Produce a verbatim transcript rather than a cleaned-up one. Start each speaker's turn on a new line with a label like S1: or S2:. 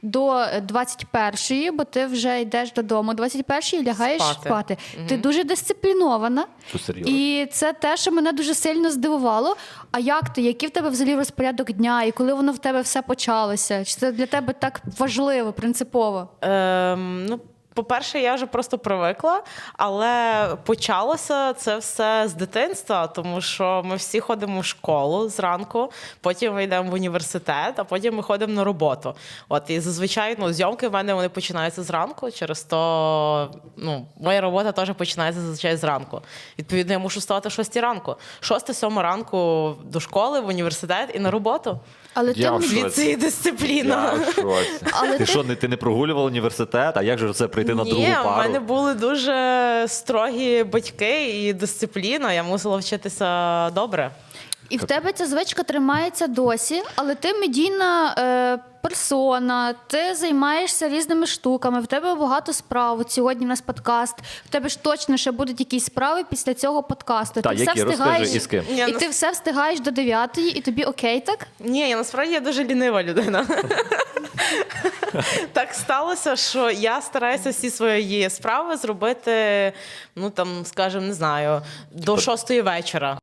S1: до двадцять першої, бо ти вже йдеш додому, двадцять першої лягаєш спати.
S2: Спати.
S1: Угу. Ти дуже дисциплінована.
S3: Що, серйозно?
S1: І це те, що мене дуже сильно здивувало. А як ти? Який в тебе взагалі розпорядок дня? І коли воно в тебе все почалося? Чи це для тебе так важливо, принципово?
S2: Ем, ну, по-перше, я вже просто привикла, але почалося це все з дитинства, тому що ми всі ходимо в школу зранку, потім ми йдемо в університет, а потім ми ходимо на роботу. От, і зазвичай ну, зйомки в мене вони починаються зранку, через то ну, моя робота теж починається зазвичай зранку. Відповідно, я мушу вставати о шостій ранку. шоста-сьома ранку до школи, в університет і на роботу.
S1: Але
S3: Я
S1: ти
S3: в шоці.
S2: Звідси і дисципліна.
S3: Я в шоці.
S1: Але
S3: ти
S1: ти-
S3: що, не, ти не прогулював університет? А як же це прийти на другу
S2: Ні,
S3: пару?
S2: в мене були дуже строгі батьки і дисципліна. Я мусила вчитися добре.
S1: І в тебе ця звичка тримається досі, але ти медійна е, персона, ти займаєшся різними штуками, в тебе багато справ. От сьогодні в нас подкаст, в тебе ж точно ще будуть якісь справи після цього подкасту.
S3: Та,
S1: ти
S3: які?
S1: все встигаєш,
S3: Розкажи, і з ким?
S1: і
S2: Ні,
S1: ти
S2: нас-
S1: все встигаєш до дев'ятої, і тобі окей, так?
S2: Ні, я насправді я дуже лінива людина. Так сталося, що я стараюся всі свої справи зробити, ну там, скажімо, не знаю, до шостої вечора.